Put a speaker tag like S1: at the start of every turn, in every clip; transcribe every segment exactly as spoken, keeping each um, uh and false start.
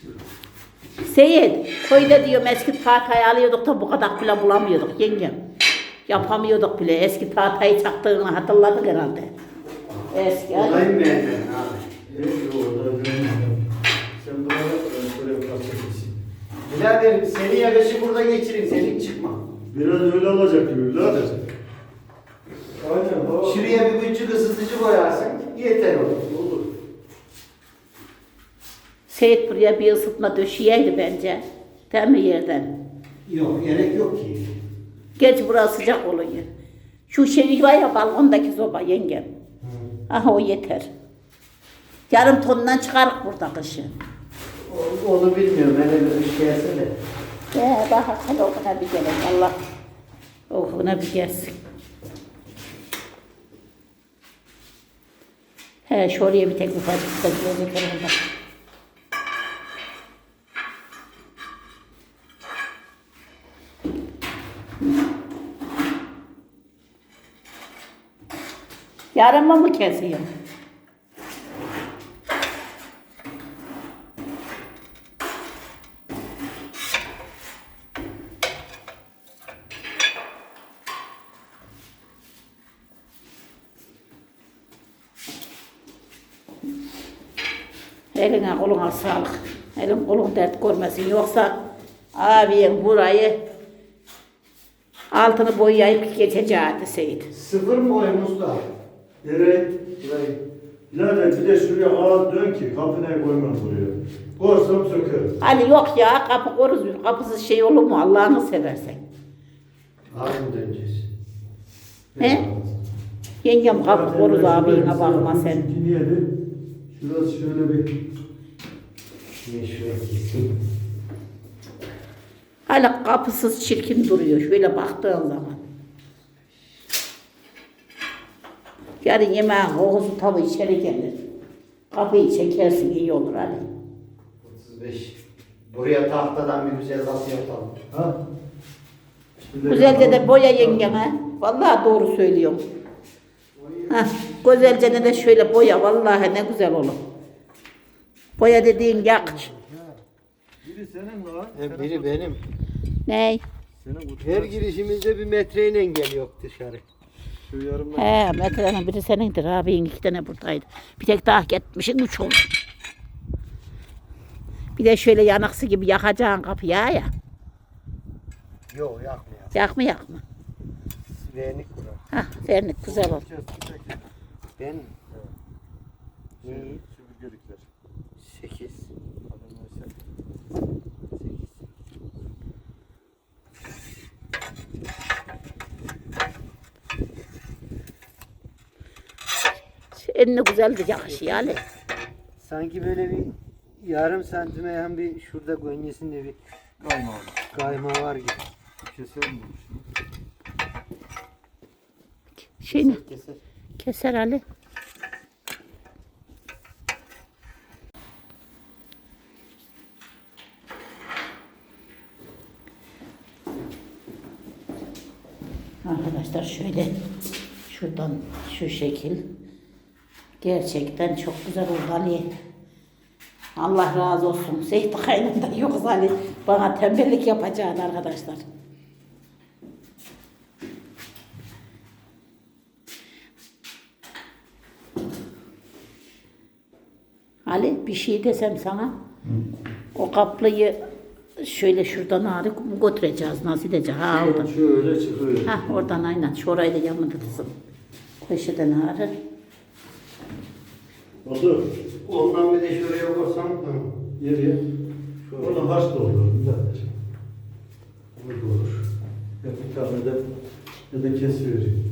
S1: Seyit, köyde diyorum eski tahtayı alıyorduk da bu kadar bile bulamıyorduk yengem. Yapamıyorduk bile. Eski tahtayı çaktığını hatırladın herhalde. Eski.
S2: Olayım beğendin abi.
S3: Evet, orada görmedim. Sen burada şöyle bir kastetsin.
S2: Birader seni yakışı burada geçireyim. Senin çıkma.
S3: Biraz öyle olacak gibi birader. Aynen. o-
S2: Şuraya bir küçük ısıtıcı koyarsın. Yeter olur.
S3: Olur.
S1: Seyit buraya bir ısıtma döşeyeydi bence. Değil mi yerden?
S2: Yok gerek yok ki.
S1: Geç burası sıcak oluyor. Şu şey var ya balkondaki soba yengem. Aha o yeter. Yarım tondan çıkarık burada kışın.
S2: O- Onu bilmiyorum. Hele bir iş gelse de.
S1: Ya bak hadi okuna bir gelin Allah. Okuna bir gelsin. He şuraya bir tek ufacık da gelecek orada. Yarın mı kesiyor? Eline koluna sağlık. Elin kolun dert görmesin. Yoksa abin burayı altını boyayıp geçeceğiydi Seyit.
S2: Sıfır mı boyun usta?
S3: Nereye?
S2: Burayı.
S3: Birader bir de şuraya ağız dön ki kapına koymam buraya. Korsam söker.
S1: Hani yok ya kapı koruz, kapısız şey olur mu Allah'ını seversen.
S2: Ağzını döneceğiz.
S1: He? Yengem kapı koruz abine bakma sen.
S3: Niye de? Şurası şöyle bir...
S2: Niye şuraya keseyim?
S1: Hala kapısız çirkin duruyor şöyle baktığın zaman. Yarın yemeğin kokusu tabi içeri gelir. Kapıyı çekersin iyi olur Ali.
S2: otuz beş. Buraya tahtadan bir güzel kapı yapalım.
S3: Ha? Şöyle
S1: Güzelce de
S3: yapalım.
S1: boya yengeme. Vallahi doğru söylüyorum. Hah, güzelce de şöyle boya vallahi ne güzel olur. Boya dediğin yak.
S3: Biri senin lan.
S2: E, biri benim.
S1: Ney?
S3: Senin kutu.
S2: Her girişimizde bir metreyle geliyor dışarı.
S3: Şu yarımdan.
S1: He, metrenin biri senindir abin iki tane buradaydı. Bir tek daha gitmişsin üç oldu. Bir de şöyle yanaksı gibi yakacaksın kapıyı ya.
S2: Yok yakmıyor.
S1: Yak mı yak mı?
S2: Vernik kurar.
S1: Hah, vernik güzel olur.
S2: Ben
S3: Şey, süpürgelikler.
S2: sekiz.
S1: Eline güzel de yakışıyor Ali.
S2: Sanki böyle bir yarım santime yan bir şurada gönyesinde bir
S3: Kayma abi.
S2: kayma var gibi.
S3: Keselim bunu şimdi.
S1: Şeyini
S2: Keser.
S1: keser Ali. Arkadaşlar şöyle şuradan şu şekil gerçekten çok güzel oldu Ali. Allah razı olsun. Seyit kaynımda yok Ali. Bana tembellik yapacaktı arkadaşlar. Ali bir şey desem sana. Hı. O kaplıyı şöyle şuradan ağrı götüreceğiz. Nasıl edeceğiz? Ha oradan.
S3: Şöyle çıkıyor.
S1: Ha oradan aynen. Şurayı da yanında kızım. Köşeden ağrı.
S3: Oldu.
S2: Ondan bir de şuraya koysam tamam.
S3: Yeriye. Onu haş da olur. Birader. Bu da olur. Ya bir tane de ya da kesivereyim.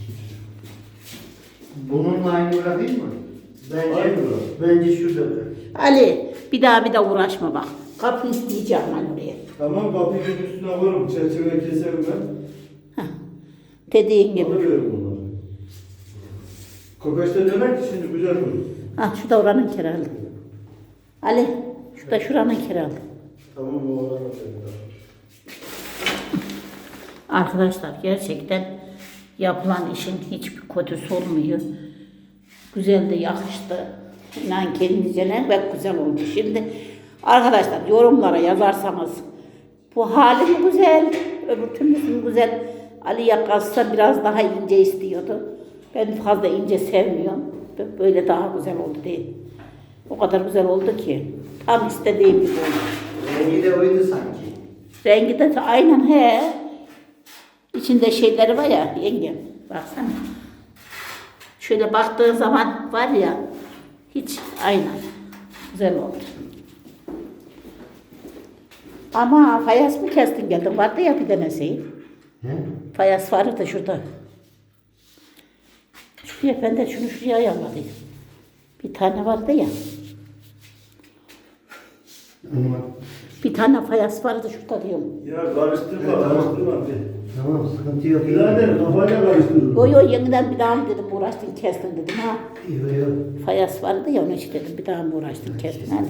S2: Bununla aynı bırakayım mı? Bence,
S3: Aynı bırak.
S2: bence şurada bırak.
S1: Ali bir daha bir daha uğraşma bak. Kapı isteyeceğim ben oraya.
S3: Tamam kapıyı üstüne koyarım. Çerçeve keserim ben.
S1: Dediğin gibi.
S3: Alıveririm onları. Kokoşta döner ki şimdi güzel olur.
S1: Ha şu da oranın kiralı. Ali şu da şuranın kiralı.
S3: Tamam o oranı da.
S1: Arkadaşlar gerçekten yapılan işin hiçbir kötüsü olmuyor. Güzel de yakıştı. İnan kendince ne pek güzel oldu. Şimdi Arkadaşlar yorumlara yazarsanız bu hali mi güzel, öbür türlüsü mü güzel? Ali yakası biraz daha ince istiyordu. Ben fazla ince sevmiyorum. Böyle daha güzel oldu değil. O kadar güzel oldu ki. Tam istediğim gibi oldu.
S2: Rengi de oydu sanki.
S1: Rengi de aynen he. İçinde şeyleri var ya yengem. Baksana. Şöyle baktığın zaman var ya hiç aynen. Güzel oldu. Ama fayans mı kestin geldin? Vardı ya bir tanesi.
S2: He?
S1: Fayans vardı da şurada. Şuraya ben de şunu şuraya ayarladım. Bir tane vardı ya.
S2: Ama
S1: Bir tane fayans vardı şurada diyorum.
S3: Ya karıştırma,
S2: Evet, tamam.
S3: karıştırma. Bir.
S2: tamam sıkıntı yok.
S3: Birader kafayla karıştırma.
S1: Yo yo yeniden bir daha mı dedim uğraştın kestin dedim ha.
S2: Yok yok.
S1: Fayans vardı ya onun için dedim bir daha mı uğraştın kestin hadi.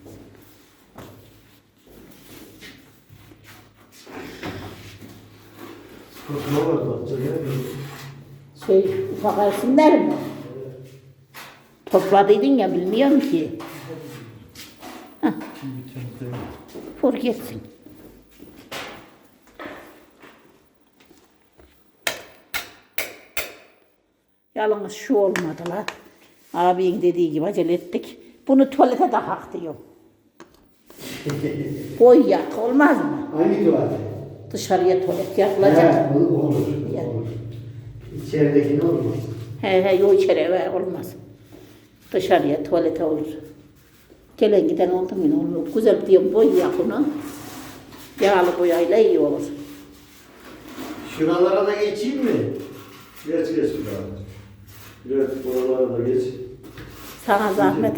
S3: Spatula var bahçede.
S1: Şey ufak resimler mi? Topladıydın ya bilmiyorum ki. Hah. Vur gitsin. Yalnız şu olmadı la. Abinin dediği gibi acele ettik. Bunu tuvalete de hak diyor. Boy yak olmaz mı?
S2: Hangi tuvalet?
S1: Dışarıya tuvalet yapılacak.
S2: He, olur. olur.
S1: Ya.
S2: olur. İçerideki ne olmaz?
S1: He he yok içeri eve olmaz. Dışarıya tuvalete olur. Gelen giden oldu mu ne olur. Güzel diyorum boy yak onu. Yağlı boyayla iyi olur.
S2: Şuralara da geçeyim mi?
S3: Geç geç birader. Evet, buralara da geç.
S1: Sana zahmet.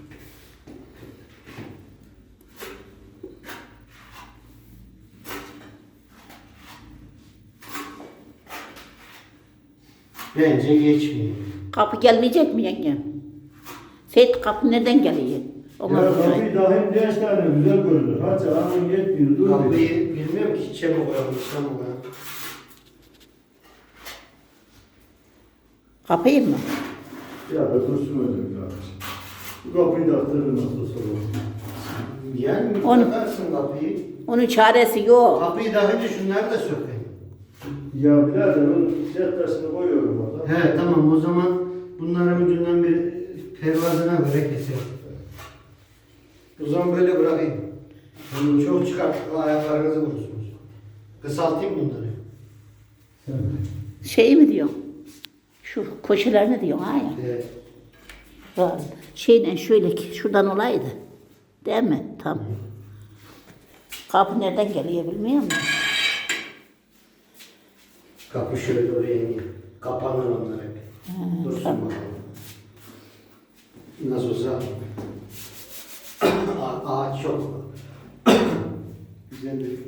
S2: Bence geçmiyor.
S1: Kapı gelmeyecek mi yengem? Seyit kapı nereden geliyor? Ona
S3: Ya
S1: sorayım.
S3: kapıyı daha hem genç tane güzel görünür. Hadi ağzın yetmiyor. Dur bir.
S2: Kapıyı bilmiyorum ki içe mi koyalım, dışa mı koyalım?
S1: Kapıyı mı?
S3: Ya da dursun öyle kardeşim. Bu kapıyı da attırır nasıl olsa olur.
S2: Yani bir
S1: On-
S2: takarsın kapıyı.
S1: Onun çaresi yok.
S2: Kapıyı daha önce şunları da sökeyim.
S3: Ya birader onun cetresini koyuyorum orada.
S2: He tamam o zaman bunların ucundan bir pervazına göre keselim. O zaman böyle bırakayım. Çok çıkar, ayaklarınızı vurursunuz. Kısaltayım bunları.
S3: Sen.
S1: Şey mi diyorsun? Şu koşularını diyorsun ha ya.
S2: Evet.
S1: Var. Şeyden şöyle ki şuradan olaydı. Değil mi? Tam. Kapı nereden geliyor bilmiyor musun?
S2: Kapı şöyle oraya iniyor. Kapanır onlar hep. Dursun
S1: tamam.
S2: bakalım. Nasıl olsa A- ağaç çok. Güzel bir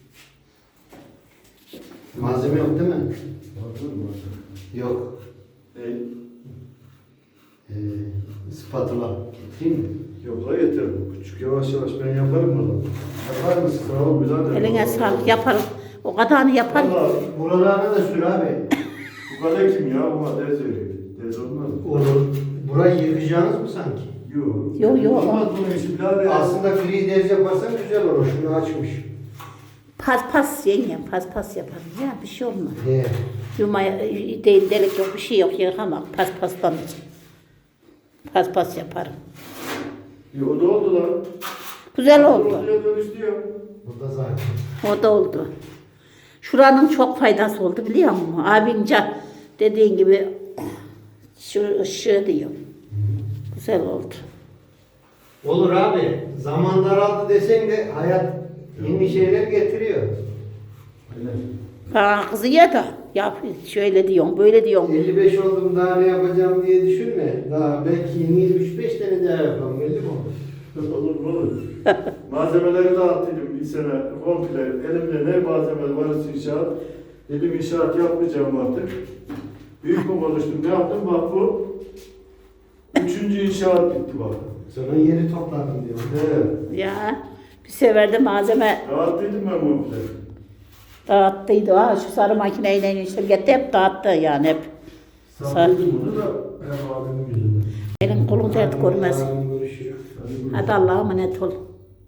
S2: malzeme yok değil mi?
S3: Vardır mı?
S2: Yok.
S3: E,
S2: Ee, spatula. Getireyim mi?
S3: yok la yeter bu küçük. Yavaş yavaş ben yaparım bunu.
S2: Yapar mısın?
S3: Sağ ol birader.
S1: Eline sağlık yaparım. O kadarını yaparım.
S3: Valla
S2: Buralarına da sür abi.
S3: bu kale kim ya? Buna dez veriyor. Dez olmaz mı?
S2: Olur. Burayı yıkacağınız mı sanki?
S3: Yok.
S1: Yok, yok.
S3: Olmaz bunun işi birader.
S2: Aslında free dez yaparsan güzel olur. Şunu açmış.
S1: Pas pas yengem pas pas yaparım ya bir şey olmaz.
S2: He.
S1: Yumaya değil delik yok bir şey yok yıkamak pas pastan için. Pas pas yaparım.
S3: Ya, o da oldu lan.
S1: Güzel oldu.
S3: Ortaya dönüştü ya.
S2: Burada zaten.
S1: O da oldu. Şuranın çok faydası oldu biliyor musun? Abince dediğin gibi şu ışığı diyor. Güzel oldu.
S2: Olur abi. Zaman daraldı desen de hayat yeni şeyler getiriyor.
S3: Aynen.
S1: Bana kızıyor da yap şöyle diyorsun böyle diyorsun.
S2: elli beş oldum daha ne yapacağım diye düşünme. Daha belki yeni üç beş tane daha yapalım. Belli mi olur?
S3: Olur olur. Malzemeleri dağıttıydım bir sene komple. Elimde ne malzeme varsa inşaat. Dedim inşaat yapmayacağım artık. Büyük mü konuştum? Ne yaptım? Bak bu. Üçüncü inşaat bitti bak.
S2: Sonra yeri topladım diyor.
S3: Evet.
S1: Ya bir sefer de malzeme
S3: Dağıttıydım ben komple.
S1: dağıttıydı. Ha, şu sarı makineyle işte gitti hep dağıttı yani hep.
S3: Sattıydım bunu da hem abimin yüzünden.
S1: Elin kolun dert görmez.
S2: Yarın görüşürüz.
S3: Hadi buyurun.
S1: Hadi Allah'a emanet ol.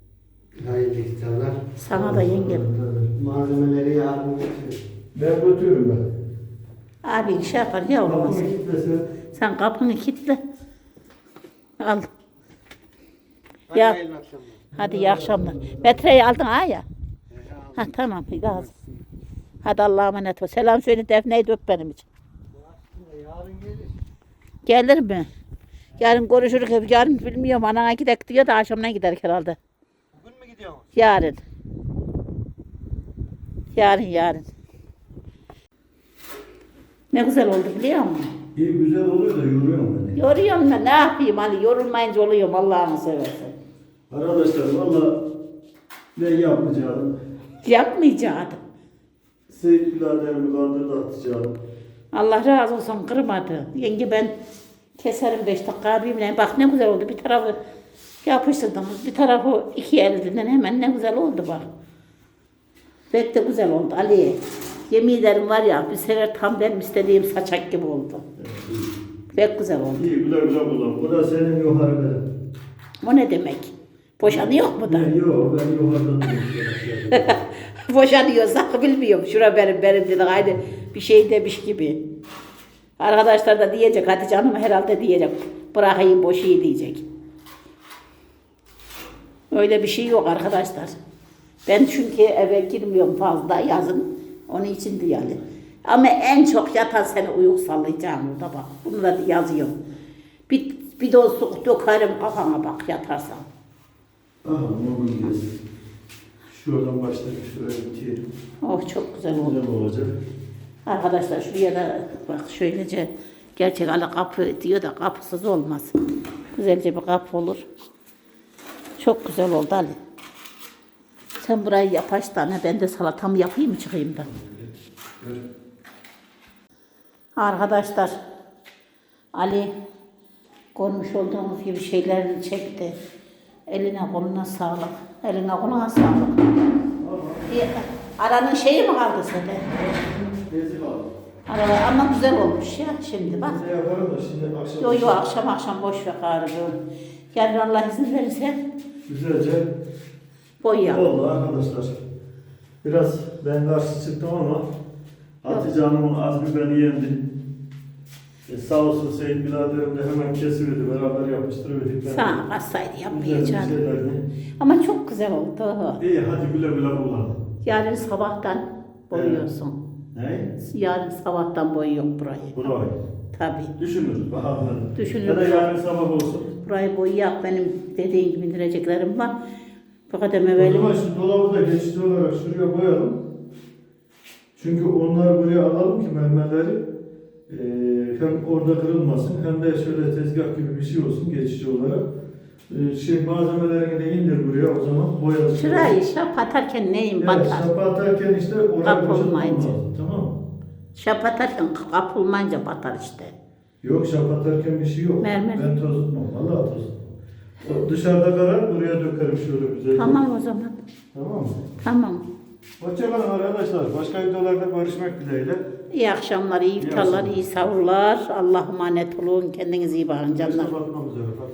S2: Hayırlı iftarlar.
S1: Sana da yengem.
S2: Malzemeleri yarın getiriyor.
S3: Ben götürürüm ben.
S1: Abi şey yapar ya olmaz.
S3: Kapımı kilitlesin.
S1: Sen kapını kilitle. Al. Ya.
S2: Hayırlı akşamlar.
S1: Hadi iyi akşamlar. Metreyi aldın ha ya. Ha tamam iyi lazım. Hadi Allah'a emanet ol. Selam söyle Defne'yi de öp benim için.
S2: Yarın gelir.
S1: Gelir mi? Yarın görüşürüz. Yarın bilmiyorum. Anana gidek diyor da akşamdan gider herhalde.
S2: Bugün mü gidiyorsun?
S1: Yarın. Yarın yarın. Ne güzel oldu biliyor musun?
S3: İyi güzel oluyor da yoruyorum beni.
S1: Yoruyorum da ne yapayım hani yorulmayınca oluyorum Allah'ını seversen.
S3: Arkadaşlar valla ne yapacağım?
S1: Yapmayacaktım.
S3: Seyit biraderimi kandırdı atacağım.
S1: Allah razı olsun kırmadı. Yenge ben keserim beş dakika birbirine. Bak ne güzel oldu. Bir tarafı yapıştırdınız. Bir tarafı iki elinden hemen ne güzel oldu bak. Pek de güzel oldu Ali. Yemin ederim var ya bir sefer tam benim istediğim saçak gibi oldu. Pek güzel oldu.
S3: İyi güzel güzel kullan. Bu da senin yukarı benim.
S1: O ne demek? Boşanıyor mu da?
S3: Ne yok ben yukarıdan duruyorum.
S1: Boşanıyorsa bilmiyorum. Şura benim benim dedi. Aynı bir şey demiş gibi. Arkadaşlar da diyecek. Hatice Hanım herhalde diyecek. Bırakayım boşayım diyecek. Öyle bir şey yok arkadaşlar. Ben çünkü eve girmiyorum fazla yazın. Onun için de yani. Ama en çok yatan seni uyuk sallayacağım orada bak. Bunu da yazıyorum. Bir, bir de su dökerim kafana bak yatarsan.
S3: Aha mobil gez. Şuradan başlayıp şuraya bitirelim.
S1: Oh çok güzel oldu.
S3: Güzel olacak.
S1: Arkadaşlar şuraya da bak şöylece gerçek ala kapı diyor da kapısız olmaz. Güzelce bir kapı olur. Çok güzel oldu Ali. Sen burayı yap aç tane ben de salatamı yapayım mı çıkayım da. Arkadaşlar Ali görmüş olduğunuz gibi şeylerini çekti. Eline koluna sağlık. Eline koluna sağlık. Bir, aranın şeyi mi kaldı sende?
S3: Bezi var.
S1: Aralar ama güzel olmuş ya şimdi bak.
S3: Bezi yaparım da şimdi akşam.
S1: Yo yo akşam akşam boş ver galiba. Yarın Allah izin verirse
S3: Güzelce
S1: boyayalım.
S3: oldu arkadaşlar. Biraz ben karşı çıktım ama Hatice Hanım'ın azmi beni yendi. E, sağ olsun Seyit biraderim de hemen kesiverdi, beraber yapıştırıverdik. Ben
S1: Sana kalsaydı
S3: güzel bir
S1: yapmayacağım.
S3: şeylerini.
S1: Ama çok güzel oldu.
S3: İyi hadi güle güle kullan.
S1: Yarın sabahtan boyuyorsun.
S3: Ne?
S1: Yarın sabahtan boyuyor burayı.
S3: Burayı.
S1: Tabii.
S3: Düşünürüz bakalım.
S1: Düşünürüz.
S3: Ya da yarın sabah olsun.
S1: Burayı boyayak benim dediğin gibi indireceklerim var. Fakat
S3: O
S1: evvel
S3: zaman şu dolabı da geçici olarak şuraya koyalım. Çünkü onları buraya alalım ki mermerleri e, hem orada kırılmasın hem de şöyle tezgah gibi bir şey olsun geçici olarak. E, şey malzemelerini de indir buraya o zaman boyalı.
S1: şurayı şap atarken neyin
S3: Evet,
S1: batar?
S3: şapa atarken işte oraya
S1: Kapı
S3: boşaltmam
S1: olmayınca.
S3: lazım, tamam mı?
S1: Şap atarken kapılmayınca batar işte.
S3: Yok şapa atarken bir şey yok.
S1: Mermer.
S3: Ben tozutmam. Vallahi tozutmam. O dışarıda karar buraya dökerim şöyle güzel.
S1: Tamam o zaman.
S3: Tamam mı?
S1: Tamam.
S3: Hoşçakalın arkadaşlar. Başka videolarda görüşmek dileğiyle.
S1: İyi akşamlar, iyi iftarlar, iyi sahurlar. Allah'a emanet olun. Kendinize iyi bakın canlar.
S3: Başka bakmam üzere.